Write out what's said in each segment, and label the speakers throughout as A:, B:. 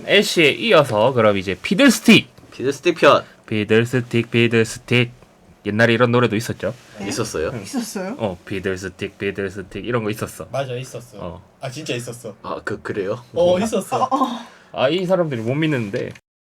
A: 애쉬에 이어서 그럼 이제 피들스틱
B: 편
A: 피들스틱 옛날에 이런 노래도 있었죠.
C: 네?
B: 있었어요?
C: 있었어요?
A: 피들스틱 이런 거 있었어.
D: 맞아 있었어. 아 진짜 있었어.
B: 아 그래요?
D: 있었어.
A: 아 이 사람들이 못 믿는데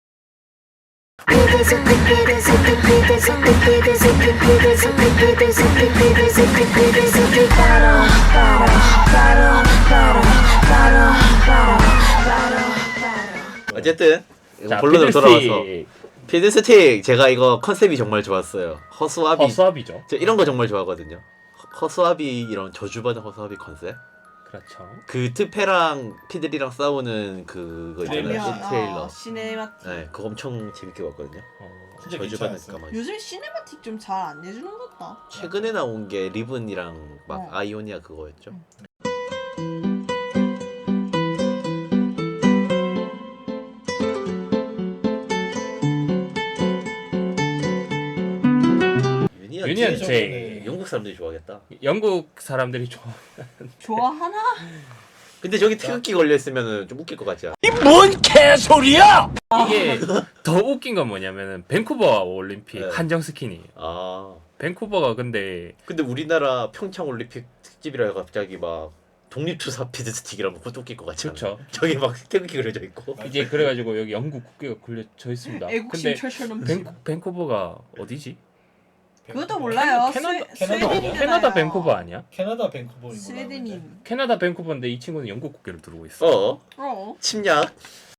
B: 어쨌든
A: 자,
B: 본론으로 돌아와서
A: 피들스틱
B: 피드스틱 제가 이거 컨셉이 정말 좋았어요. 허수아비
A: 허수아비죠.
B: 저 이런 거 정말 좋아하거든요. 허수아비 이런 저주받은 허수아비 컨셉.
A: 그렇죠.
B: 그 트페랑 피들이랑 싸우는 그거 있잖아요.
D: 트레일러.
B: 트레일러.
C: 시네마틱.
B: 네, 그거 엄청 재밌게 봤거든요.
D: 진짜
B: 저주받은
D: 괜찮았어.
B: 까마귀.
C: 요즘 시네마틱 좀 잘 안 내주는 것 같다.
B: 최근에 나온 게 리븐이랑 막
C: 어.
B: 아이오니아 그거였죠.
A: 유니언
D: 제일
A: J.
B: 영국 사람들이 좋아하겠다.
A: 영국 사람들이 좋아.
C: 좋아하나?
B: 근데 저기 태극기 걸려 있으면 좀 웃길 것 같지 않아?
A: 이게 더 웃긴 건 뭐냐면은 밴쿠버 올림픽
B: 네.
A: 한정 스킨이에요.
B: 아
A: 밴쿠버가 근데
B: 근데 우리나라 평창 올림픽 특집이라 갑자기 막 독립투사 피드스틱이라면 그것도 웃길 것 같지 않아?
A: 그렇죠.
B: 저기 막 태극기 그려져 있고.
A: 이제 그래가지고 여기 영국 국기가 걸려져 있습니다.
C: 애국심
A: 근데
C: 철철 넘치고.
A: 밴쿠버가 어디지?
C: 그것도 몰라요.
D: 캐나다 아니야?
A: 캐나다 밴쿠버 아니야?
D: 캐나다 밴쿠버인 거
C: 스웨덴인.
A: 캐나다 밴쿠버인데 이 친구는 영국 국기를 두르고 있어.
B: 침략.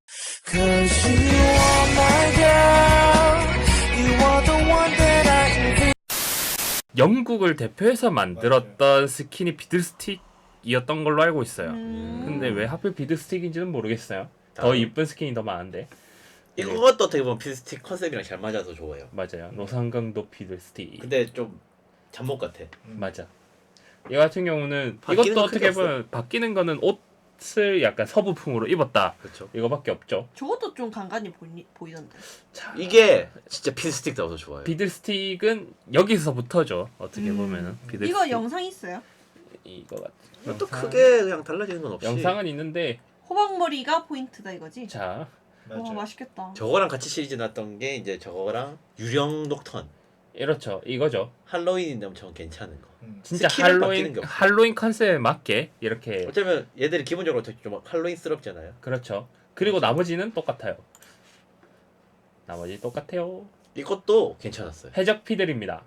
A: 영국을 대표해서 만들었던 스킨이 비들스틱이었던 걸로 알고 있어요. 근데 왜 하필 비들스틱인지는 모르겠어요. 더 이쁜 스킨이 더 많은데.
B: 이것도 어떻게 보면 피드스틱 컨셉이랑 잘 맞아서 좋아요.
A: 맞아요. 노상강도 비들스틱.
B: 근데 좀 잠복 같아.
A: 맞아. 이 같은 경우는
B: 바뀌는
A: 이것도
B: 건
A: 어떻게
B: 크게
A: 보면 바뀌는 거는 옷을 약간 서부풍으로 입었다.
B: 그렇죠.
A: 이거밖에 없죠.
C: 저것도 좀 간간히 보이던데.
A: 자,
B: 이게 진짜 피드스틱다워서 좋아요.
A: 비들스틱은 여기서부터죠. 어떻게 보면은 비들스틱.
C: 이거 영상 있어요?
A: 이거 같.
B: 또 크게 그냥 달라지는 건 없이.
A: 영상은 있는데
C: 호박머리가 포인트다 이거지?
A: 자
C: 와 맛있겠다.
B: 저거랑 같이 시리즈 났던 게 이제 저거랑 유령 녹턴.
A: 이렇죠. 이거죠.
B: 할로윈인데 엄청 괜찮은 거.
A: 진짜
B: 스킬은 바뀌는 게 없어.
A: 할로윈 컨셉에 맞게 이렇게
B: 어쩌면 얘들이 기본적으로 좀 할로윈스럽잖아요.
A: 그렇죠. 그리고 나머지는 똑같아요. 나머지 똑같아요.
B: 이것도 괜찮았어요.
A: 해적 피들입니다.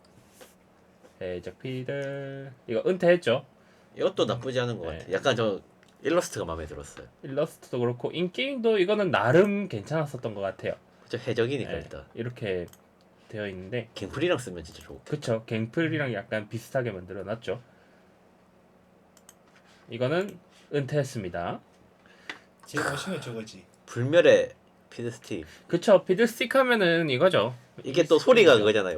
A: 해적 피들 이거 은퇴했죠.
B: 이것도 나쁘지 않은 것
A: 네.
B: 같아. 약간 저 일러스트가 마음에 들었어요.
A: 일러스트도 그렇고 인게임도 이거는 나름 괜찮았었던 것 같아요.
B: 그쵸 해적이니까
A: 네,
B: 일단
A: 이렇게 되어 있는데
B: 갱플이랑 쓰면 진짜 좋고.
A: 그쵸. 갱플이랑 약간 비슷하게 만들어놨죠. 이거는 은퇴했습니다.
D: 제일 멋있는 건 저거지.
B: 불멸의 피드스틱.
A: 그쵸. 피들스틱 하면은 이거죠.
B: 이게 또 소리가 그거잖아요.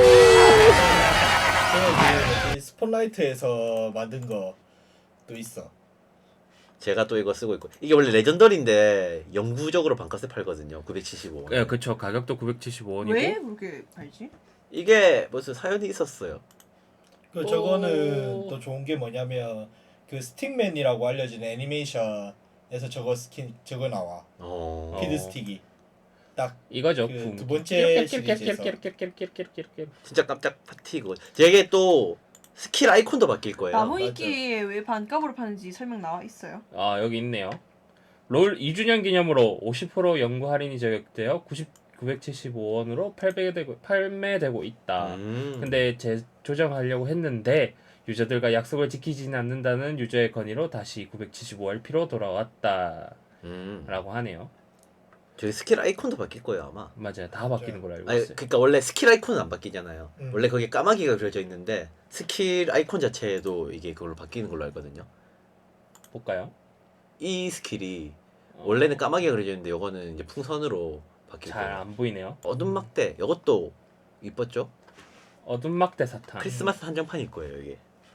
D: 이 스폰라이트에서 만든 거도 있어.
B: 제가 또 이거 쓰고 있고 이게 원래 레전더리인데 영구적으로 반값에 팔거든요. 975원.
A: 예, 그쵸. 가격도 975원이고.
C: 왜 그렇게 팔지?
B: 이게 무슨 사연이 있었어요.
D: 그 저거는 또 좋은 게 뭐냐면 그 스틱맨이라고 알려진 애니메이션에서 저거 스킨 저거 나와. 피드 스틱이 딱
A: 이거죠.
D: 그 두 번째 시리즈에서.
B: 진짜 깜짝 파티고. 되게 또 스킬 아이콘도 바뀔 거예요.
C: 나무위키에 왜 반값으로 파는지 설명 나와 있어요.
A: 아, 여기 있네요. 롤 2주년 기념으로 50% 연구 할인이 적용되어 975원으로 판매되고 있다. 근데 재조정하려고 했는데 유저들과 약속을 지키지는 않는다는 유저의 건의로 다시 975RP로 돌아왔다. 라고 하네요.
B: 저기 스킬 아이콘도 바뀔 거예요 아마.
A: 맞아요. 다 바뀌는 걸로 알고
B: 아니,
A: 있어요.
B: 그러니까 원래 스킬 아이콘은 안 바뀌잖아요. 원래 거기에 까마귀가 그려져 있는데 스킬 아이콘 자체도 이게 그걸로 바뀌는 걸로 알거든요.
A: 볼까요?
B: 이 스킬이 원래는 까마귀가 그려져 있는데 이거는 이제 풍선으로 바뀔
A: 잘
B: 거예요.
A: 안 보이네요.
B: 어둠 막대 이것도 이뻤죠?
A: 어둠 막대 사탕.
B: 크리스마스 한정판일 거예요 이게.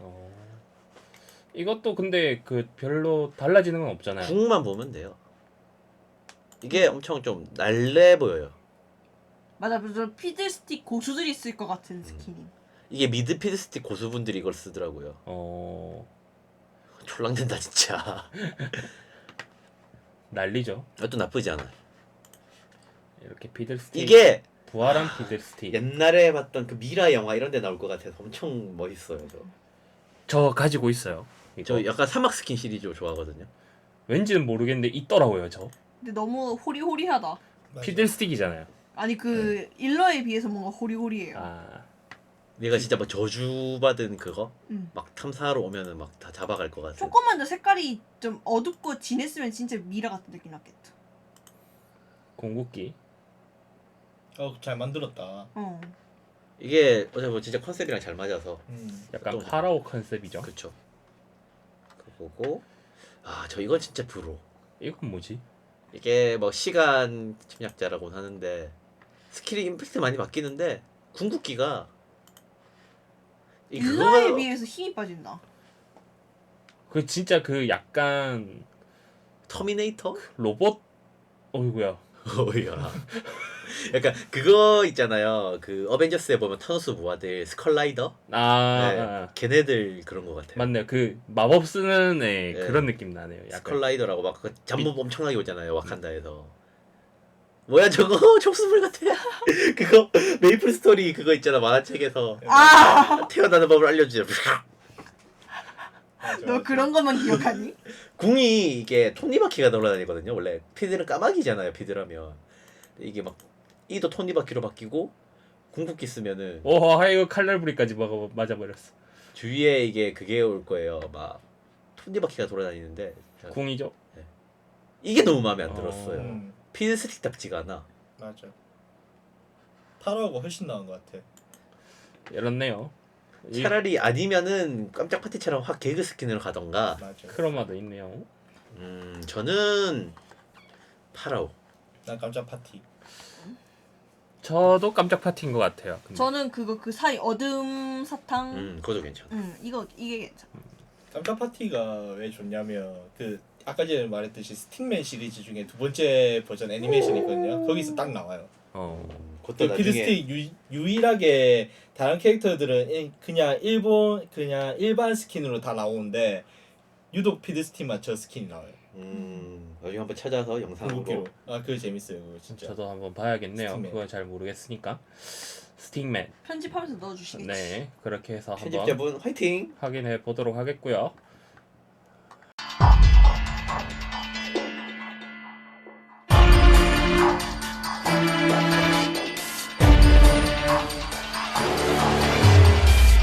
A: 이것도 근데 그 별로 달라지는 건 없잖아요.
B: 궁만 보면 돼요. 이게 엄청 좀 날래 보여요.
C: 맞아, 피들스틱 고수들이 쓸 것 같은 스킨임.
B: 이게 미드 피드스틱 고수분들이 이걸 쓰더라고요. 촐랑된다 진짜.
A: 난리죠.
B: 그것도 나쁘지 않아.
A: 이렇게 피들스틱
B: 이게
A: 부활한 피들스틱.
B: 옛날에 봤던 그 미라 영화 이런 데 나올 것 같아서 엄청 멋있어요.
A: 저 가지고 있어요. 이거.
B: 저 약간 사막 스킨 시리즈 좋아하거든요.
A: 왠지는 모르겠는데 있더라고요 저.
C: 근데 너무 호리호리하다.
A: 피들스틱이잖아요.
C: 아니 그 일러에 비해서 뭔가 호리호리해요.
A: 아
B: 내가 진짜 뭐 저주받은 그거
C: 음.
B: 막 탐사하러 오면은 막 다 잡아갈 것 같아.
C: 조금만 더 색깔이 좀 어둡고 진했으면 진짜 미라 같은 느낌 났겠다.
A: 궁극기.
D: 잘 만들었다.
C: 어.
B: 이게 어차피 뭐 진짜 컨셉이랑 잘 맞아서
A: 약간
B: 또-
A: 파라오 컨셉이죠.
B: 그쵸. 그거고 저 이건 진짜 브로.
A: 이건 뭐지?
B: 이게 뭐 시간 침략자라고 하는데 스킬이 임팩트 많이 바뀌는데 궁극기가
C: 일러에 비해서 힘이 빠진다.
A: 그 진짜 그 약간
B: 터미네이터?
A: 로봇. 어이구야.
B: 어이야. 약간 그거 있잖아요. 그 어벤져스에 보면 타노스 부하들 스컬라이더.
A: 아,
B: 네,
A: 아,
B: 걔네들 그런 것 같아요.
A: 맞네요. 그 마법 쓰는 애
B: 네.
A: 그런 느낌 나네요. 약간.
B: 스컬라이더라고 막 그 잡몹 엄청나게 오잖아요. 와칸다에서. 뭐야 저거 촉수물 같아. 그거 메이플 스토리 그거 있잖아 만화책에서
C: 아,
B: 태어나는 법을 알려주죠.
C: 너 그런 것만 기억하니?
B: 궁이 이게 톱니바퀴가 돌아다니거든요. 원래 피드는 까마귀잖아요. 피드라면 이게 막 이도 톱니바퀴로 바뀌고 궁극기 쓰면은
A: 오, 하이그 칼날부리까지 맞아버렸어.
B: 주위에 이게 그게 올 거예요. 막 톱니바퀴가 돌아다니는데
A: 궁이죠.
B: 이게 너무 마음에 안 들었어요.
D: 음,
B: 피드 스틱답지가 않아.
D: 맞아. 파라오가 훨씬 나은 것 같아.
A: 이렇네요. 이
B: 차라리 아니면은 깜짝 파티처럼 확 개그 스킨으로 가던가.
D: 맞아.
A: 크로마도 있네요.
B: 저는 파라오.
D: 난 깜짝 파티.
A: 저도 깜짝 파티인 것 같아요. 근데.
C: 저는 그거 그 사이 어둠 사탕.
B: 그것도 괜찮아.
C: 이게 괜찮아.
D: 깜짝 파티가 왜 좋냐면 그 아까 전에 말했듯이 스틱맨 시리즈 중에 두 번째 버전 애니메이션이 있거든요. 거기서 딱 나와요.
B: 그것도
D: 그
B: 나중에
D: 피드스틱 유일하게 다른 캐릭터들은 그냥 일반 스킨으로 다 나오는데 유독 피드스틱만 저 스킨이 나와요.
B: 나중에 한번 찾아서 영상으로.
D: 궁극기로. 그거 재밌어요. 그거 진짜.
A: 저도 한번 봐야겠네요.
D: 스틱맨.
A: 그건 잘 모르겠으니까. 스틱맨.
C: 편집하면서 넣어주시겠지.
A: 네, 그렇게 해서 한번
B: 편집자분 화이팅.
A: 확인해 보도록 하겠고요.